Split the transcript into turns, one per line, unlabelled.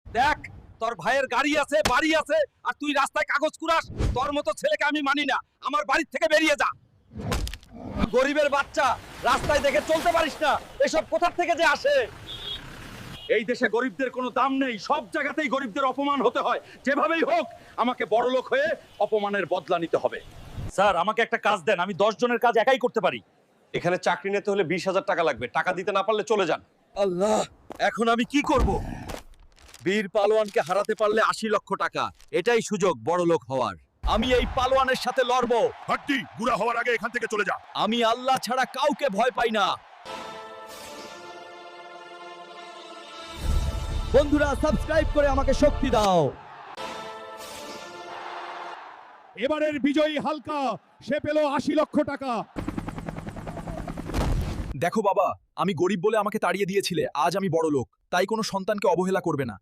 দেখ, তোর ভাইয়ের গাড়ি আছে, বাড়ি আছে, আর তুই রাস্তায় কাগজ কুড়াস। তোর মতো ছেলেকে আমি মানি না। আমার বাড়ি থেকে বেরিয়ে যা। গরিবের বাচ্চা, রাস্তায় দেখে চলতে পারিস না। এসব কোথা থেকে যে আসে? এই দেশে গরিবদের কোনো দাম নেই। সব জায়গাতেই গরিবদের অপমান হতে হয়। যেভাবেই হোক আমাকে বড়লোক হয়ে অপমানের বদলা নিতে হবে। স্যার, আমাকে একটা কাজ দেন। আমি 10 জনের কাজ একাই করতে পারি।
এখানে চাকরি নিতে হলে 20,000 টাকা লাগবে। টাকা দিতে না পারলে চলে যান।
আল্লাহ, এখন আমি কি করব? বীর পালোয়ানকে হারাতে পারলে 80 লক্ষ টাকা। এটাই সুযোগ বড়লোক হওয়ার। আমি এই পালোয়ানের সাথে লড়বো।
হাড্ডি গুড়া হওয়ার আগে এখান থেকে চলে যা।
আমি আল্লাহ ছাড়া কাউকে ভয় পাই না। বন্ধুরা, সাবস্ক্রাইব করে আমাকে শক্তি দাও।
এবারের বিজয়ী হালকা, সে পেল 80 লক্ষ টাকা।
দেখো বাবা, আমি গরিব বলে আমাকে তাড়িয়ে দিয়েছিলে, আজ আমি বড় লোক, তাই কোনো সন্তানকে অবহেলা করবে না।